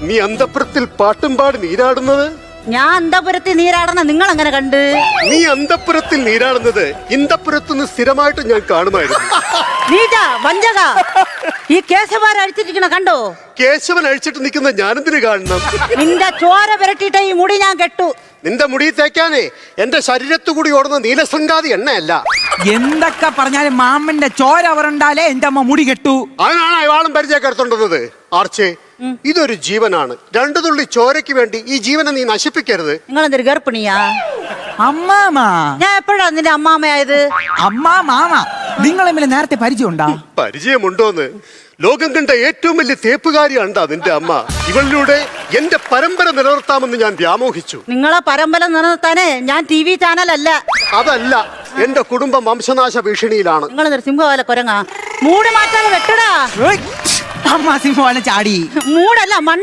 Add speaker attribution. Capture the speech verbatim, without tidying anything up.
Speaker 1: നീ അന്തപുരത്തിൽ പാട്ടും പാടി നീരാടുന്നത്?
Speaker 2: ഞാൻ അന്തപുരത്തിൽ നീരാടുന്ന നിങ്ങൾ അങ്ങനെ കണ്ട്?
Speaker 1: നീ അന്തപുരത്തിൽ നീരാടുന്നത് ഇന്ദപുരത്തുനിന്ന് സ്ഥിരമായിട്ട് ഞാൻ കാണുമായിരുന്നു.
Speaker 2: നീജ വഞ്ചക, ഈ കേശവൻ അഴിച്ചിരിക്കണ കണ്ടോ?
Speaker 1: കേശവൻ അഴിച്ചിട്ട് നിൽക്കുന്ന ഞാനെന്തിനു കാണണം?
Speaker 2: നിന്റെ ചോര പുരട്ടിയിട്ട് ഈ മുടി ഞാൻ കെട്ടു.
Speaker 1: നിന്റെ മുടി തേക്കാനേ എന്റെ ശരീരത്തു കൂടി ഓടുന്ന നീലശൃംഗാതി എണ്ണയല്ല.
Speaker 3: എന്തൊക്കെ പറഞ്ഞാലും മാമന്റെ ചോര അവരുണ്ടാലേ എന്റെ അമ്മ മുടി കെട്ടു.
Speaker 1: അതിനാണ് അയാളും പരിചയക്കെടുത്തോണ്ടത്. ആർച്ചേ, ഇതൊരു ജീവനാണ്. രണ്ടു തുള്ളി ചോരയ്ക്ക് വേണ്ടി ഈ ജീവനെ നീ നശിപ്പിക്കരുത്.
Speaker 2: നിങ്ങൾ എന്തൊരു ഗർഭിണിയാ?
Speaker 3: അമ്മാമാ,
Speaker 2: ഞാൻ എപ്പോഴാ നിന്റെ അമ്മാമയായത്?
Speaker 3: അമ്മാ മാമ നിങ്ങൾ തമ്മിൽ നേരത്തെ പരിചയമുണ്ടാ?
Speaker 1: പരിചയമുണ്ടോന്ന്? ലോകം കണ്ട ഏറ്റവും വലിയ തേപ്പുകാരിയാണ്ടാ നിന്റെ അമ്മ. ഇവളിലൂടെ എന്റെ പരമ്പര നിലനിർത്താമെന്ന് ഞാൻ വ്യാമോഹിച്ചു.
Speaker 2: നിങ്ങളെ പരമ്പര നിലനിർത്താനേ ഞാൻ ടി വി ചാനലല്ല.
Speaker 1: അതല്ല, എന്റെ കുടുംബം വംശനാശ ഭീഷണിയിലാണ്.
Speaker 2: നിങ്ങൾ സിംഹവാല കൊരങ്ങാ. മൂട് മാറ്റാതെ വെട്ടടാ.
Speaker 3: അമ്മ സിംഹവാലം ചാടി.
Speaker 2: മൂടല്ല മണ്ണ്